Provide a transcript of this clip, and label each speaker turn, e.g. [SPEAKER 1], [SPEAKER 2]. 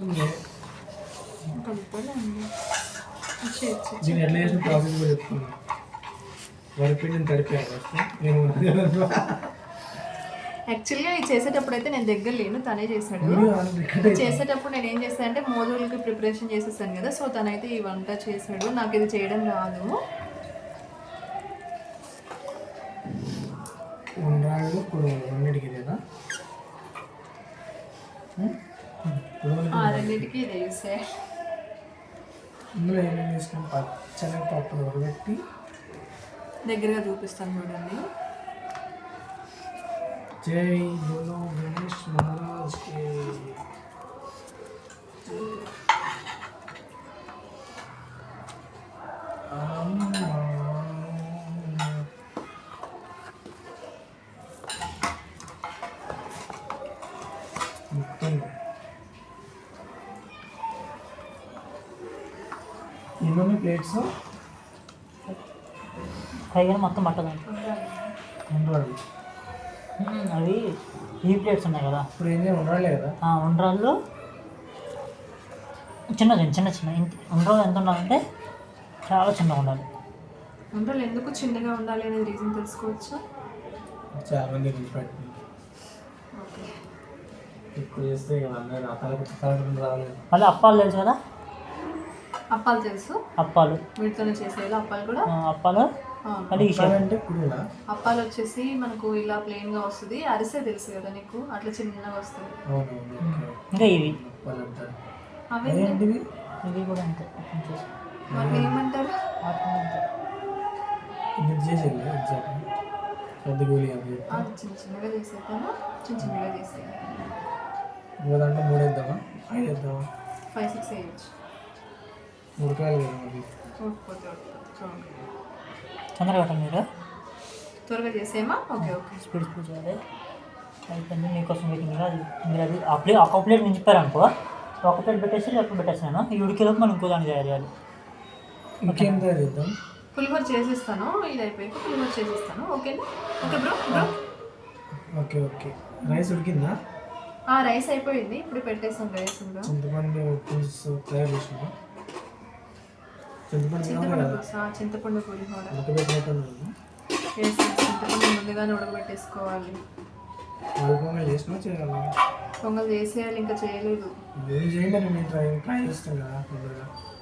[SPEAKER 1] దీన్ని ఎట్లా చేసిన ప్రాసెస్ కూడా చెప్తున్నాను. వరిపిండిని తడిపాను నేను
[SPEAKER 2] యాక్చువల్గా ఇది చేసేటప్పుడు అయితే నేను దగ్గర లేను, తనే చేశాడు. చేసేటప్పుడు నేను ఏం చేస్తాను అంటే మోదులకి ప్రిపరేషన్ చేసేసాను కదా, సో తనైతే ఈ వంట చేశాడు. నాకు ఇది చేయడం రాదు.
[SPEAKER 1] ఉండ్రాళ్ళు రెండింటికి ఇదేనా?
[SPEAKER 2] రెండింటికి ఇదే యూస్
[SPEAKER 1] ఇందులో ఏమేమి వేసుకుని పచ్చని పప్పులు ఉడబెట్టి
[SPEAKER 2] దగ్గరగా చూపిస్తాను చూడండి.
[SPEAKER 1] జై బోలో గణేష్ మహారాజ్ కి. ఎన్ని ప్లేట్స్?
[SPEAKER 3] పైగా మొత్తం పట్టదండి.
[SPEAKER 1] ఉండ్రాళ్ళు
[SPEAKER 3] అవి ఈ ప్లేట్స్ ఉన్నాయి కదా,
[SPEAKER 1] ఇప్పుడు ఏం ఉండాలి కదా.
[SPEAKER 3] ఉండ్రాళ్ళు చిన్నది చిన్న చిన్న ఉండ్రాళ్ళు ఎంత ఉండాలంటే చాలా చిన్నగా ఉండాలి.
[SPEAKER 2] ఉండ్రాళ్ళు ఎందుకు చిన్నగా ఉండాలి అనేది రీజన్ తెలుసుకోవచ్చా?
[SPEAKER 1] చాలా మంది పెట్టింది ఎక్కువ చేస్తే రాలేదు.
[SPEAKER 3] మళ్ళీ అప్పాలు తెలుసు కదా?
[SPEAKER 2] అప్పాలు తెలుసు.
[SPEAKER 3] అప్పాలు
[SPEAKER 2] వీటితోనే చేసేయాలి. అప్పాలు కూడా
[SPEAKER 3] అప్పాలు
[SPEAKER 1] అంటే
[SPEAKER 2] అప్పాలు వచ్చేసి మనకు ఇలా ప్లెయిన్ గా వస్తుంది. అరిసే తెలుసు కదా నీకు, అట్లా చిన్నగా వస్తుంది.
[SPEAKER 3] ఇంకా ఇవి
[SPEAKER 2] అవి
[SPEAKER 3] ఇవి కూడా అంతే.
[SPEAKER 2] వాటిని ఏమంటారు? చిన్న చిన్నగా చేసేద్దామా? చిన్న చిన్నగా చేసేయాలి.
[SPEAKER 1] 3 వేద్దామా? 5 వేద్దామా?
[SPEAKER 2] 5, 6 వేయచ్చు.
[SPEAKER 1] ఉడకాలి
[SPEAKER 3] తొందరగా కట్టండి. మీరు
[SPEAKER 2] త్వరగా చేసేమా? Okay okay.
[SPEAKER 3] స్పీడ్ చేయాలి. అయిపోయింది. మీకోసం వెయిటింగ్. మీరు అది ఒక ప్లేట్ నుంచి చెప్పారనుకో, ఒక ప్లేట్ పెట్టేసి ఎప్పుడు పెట్టేస్తాను. ఈ ఉడికేలోపు మనం ఇంకో దాన్ని తయారు చేయాలి.
[SPEAKER 1] ఇంకేం తయారు చేద్దాం?
[SPEAKER 2] పులిహోర చేసేస్తాను. ఇది అయిపోయాక పులిహోర చేసేస్తాను. ఓకేనా? Okay bro.
[SPEAKER 1] Okay okay. Rice ఉడికిందా?
[SPEAKER 2] రైస్ అయిపోయింది. ఇప్పుడు పెట్టేస్తాం రైస్ కూడా.
[SPEAKER 1] చింతపండు పులుసు తయారు చేసినా?
[SPEAKER 2] చింతపండు పులిహోర.
[SPEAKER 1] ఉడకబెట్టినట్టు
[SPEAKER 2] చింతపండు ముందుగానే ఉడకబెట్టేసుకోవాలి.
[SPEAKER 1] పొంగల్ చేసినా చేయాలి?
[SPEAKER 2] పొంగల్ చేసేయాలి, ఇంకా చేయలేదు.
[SPEAKER 1] చేయండి. నేను ట్రై చేస్తాను కదా.